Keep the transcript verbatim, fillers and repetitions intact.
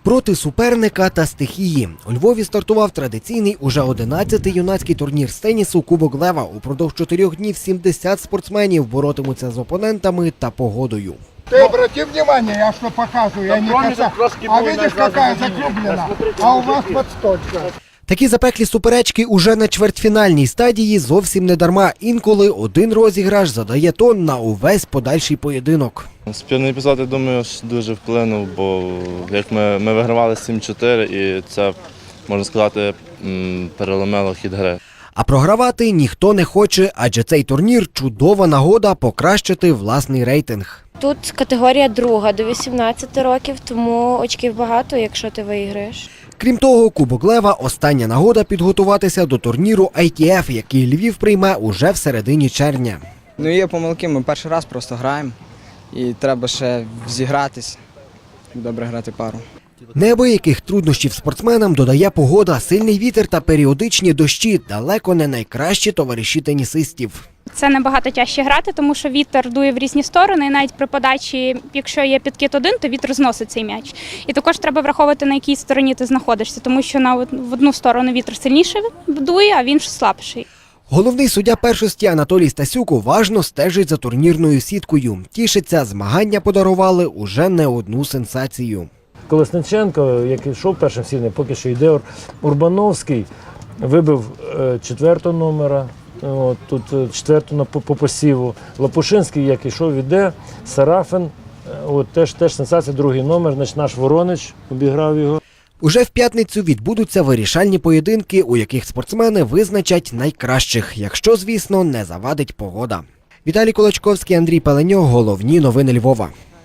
Проти суперника та стихії у Львові стартував традиційний уже одинадцятий юнацький турнір з тенісу «Кубок Лева». Упродовж чотирьох днів сімдесят спортсменів боротимуться з опонентами та погодою. Ты обрати внимание, я что показываю, я не касаюсь. А видишь, какая закруглена, а у вас подсточка. Такі запеклі суперечки уже на чвертьфінальній стадії зовсім не дарма. Інколи один розіграш задає тон на увесь подальший поєдинок. Спірний епізод, я думаю, дуже вплинув, бо як ми, ми вигравали сім чотири і це, можна сказати, переломило хід гри. А програвати ніхто не хоче, адже цей турнір – чудова нагода покращити власний рейтинг. Тут категорія друга до вісімнадцяти років, тому очків багато, якщо ти виграєш. Крім того, Кубок Лева – остання нагода підготуватися до турніру ай ті еф, який Львів прийме уже в середині червня. Ну є помилки, ми перший раз просто граємо і треба ще зігратись, добре грати пару. Неабияких труднощів спортсменам додає погода, сильний вітер та періодичні дощі – далеко не найкращі товариші тенісистів. Це набагато тяжче грати, тому що вітер дує в різні сторони, і навіть при подачі, якщо є підкид один, то вітер зносить цей м'яч. І також треба враховувати, на якій стороні ти знаходишся, тому що на в одну сторону вітер сильніше дує, а в іншу слабший. Головний суддя першості Анатолій Стасюк уважно стежить за турнірною сіткою. Тішиться, змагання подарували уже не одну сенсацію. Колесниченко, який йшов першим сильним, поки що йде Урбановський, вибив четвертого номера, от, тут четверту по, по посіву. Лопушинський, як йшов, іде, Сарафин, от, теж, теж сенсація, другий номер, значить, наш Воронич обіграв його. Уже в п'ятницю відбудуться вирішальні поєдинки, у яких спортсмени визначать найкращих, якщо, звісно, не завадить погода. Віталій Колочковський, Андрій Пеленьо. Головні новини Львова.